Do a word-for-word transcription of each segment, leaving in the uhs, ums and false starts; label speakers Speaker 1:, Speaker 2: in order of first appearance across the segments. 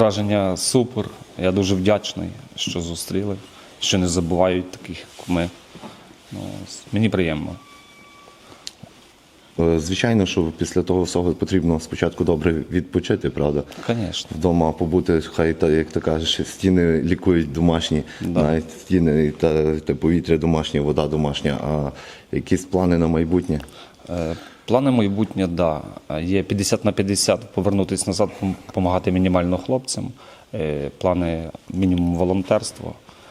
Speaker 1: враження супер. Я дуже вдячний, що зустріли, що не забувають таких, як ми. Ну, мені приємно.
Speaker 2: Звичайно, що після того всього потрібно спочатку добре відпочити, правда?
Speaker 1: Звісно.
Speaker 2: Вдома побути, хай, та, як ти кажеш, стіни лікують домашні, да. Навіть стіни та, та повітря домашнє, вода домашня. А якісь плани на майбутнє?
Speaker 1: Е, плани майбутнє, так. Да. Є п'ятдесят на п'ятдесят повернутися назад, допомагати мінімально хлопцям. Е, плани мінімум волонтерства.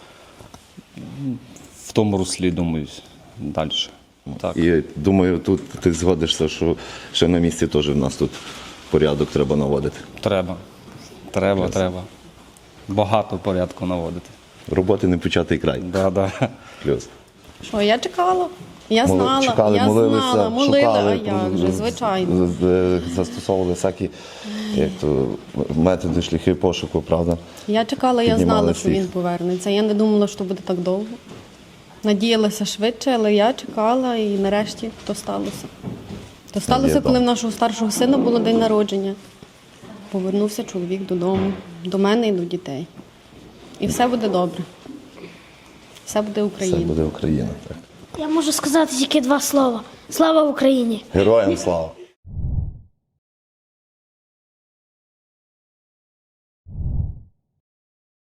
Speaker 1: В тому руслі, думаю, далі. Так.
Speaker 2: І думаю, тут ти згодишся, що ще на місці теж в нас тут порядок треба наводити.
Speaker 1: Треба. Треба, Плюс. треба. Багато порядку наводити.
Speaker 2: Роботи не початий край.
Speaker 1: Да, да.
Speaker 2: Плюс.
Speaker 3: Що, я чекала. Я знала,
Speaker 2: чекали,
Speaker 3: я
Speaker 2: молилися,
Speaker 3: знала, молила,
Speaker 2: шукали,
Speaker 3: а як же, звичайно.
Speaker 2: Застосовували всякі як то, методи, шляхи пошуку, правда?
Speaker 3: Я чекала, я
Speaker 2: Піднімали
Speaker 3: знала, що
Speaker 2: всіх.
Speaker 3: він повернеться. Я не думала, що буде так довго. Надіялася швидше, але я чекала і нарешті то сталося. То сталося, коли в нашого старшого сина було день народження. Повернувся чоловік додому, до мене і до дітей. І все буде добре. Все буде Україна.
Speaker 2: Все буде Україна, так.
Speaker 4: Я можу сказати тільки два слова. Слава Україні!
Speaker 2: Героям слава!